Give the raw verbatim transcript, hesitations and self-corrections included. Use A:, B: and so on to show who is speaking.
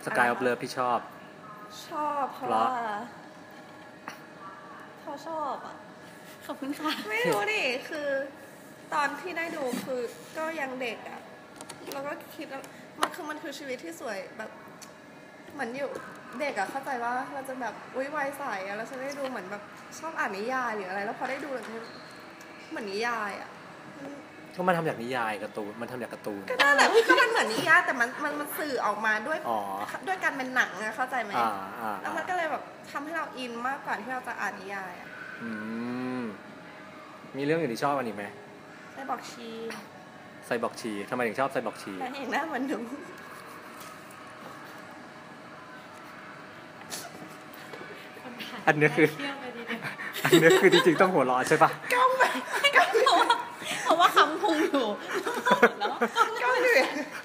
A: Sky of Love พี่ชอบ
B: ชอบเพราะว่าเขาชอบอ่ะ
C: ขอบคุณค่ะ
B: ไม่รู้ดิคือตอนที่ได้ดูคือก็ยังเด็กอ่ะแล้วก็คิดว่ามันคือมันคือชีวิตที่สวยแบบเหมือนอยู่เด็กอะเข้าใจว่าเราจะแบบอุ้ยวัยใสอะแล้วฉันได้ดูเหมือนแบบชอบอ่านนิยายหรืออะไรแล้วพอได้ดูแล้วเหมือนนิยายอะ
A: ก็มันทำจากนิยายการ์ตูนมันทำจากการ์ตูน
B: ก็นั่นแหละก็มันเหมือนนิยายแต่มันมันมันสื่อออกมาด้วยด้วยการเป็นหนังอะเข้าใจไหมแล้วมันก็เลยแบบทำให้เราอินมากกว่าที่เราจะอ่านนิยายอะ
A: อืมมีเรื่องอื่นที่ชอบอันนี้ไหม
B: ไซบอร์กชี
A: ไซบอร์กชีทำไมถึงชอบไซบอร์กชี
B: นางเอกหน้าเหมือนหนู
A: อันนี้คืออันนี้คือจริงๆต้องหัวเราะใช่ปะ
B: ก้าวไปก้าว
C: เพราะว่าคำพุงอยู่แล้ว
B: ก้าวเหนื่อย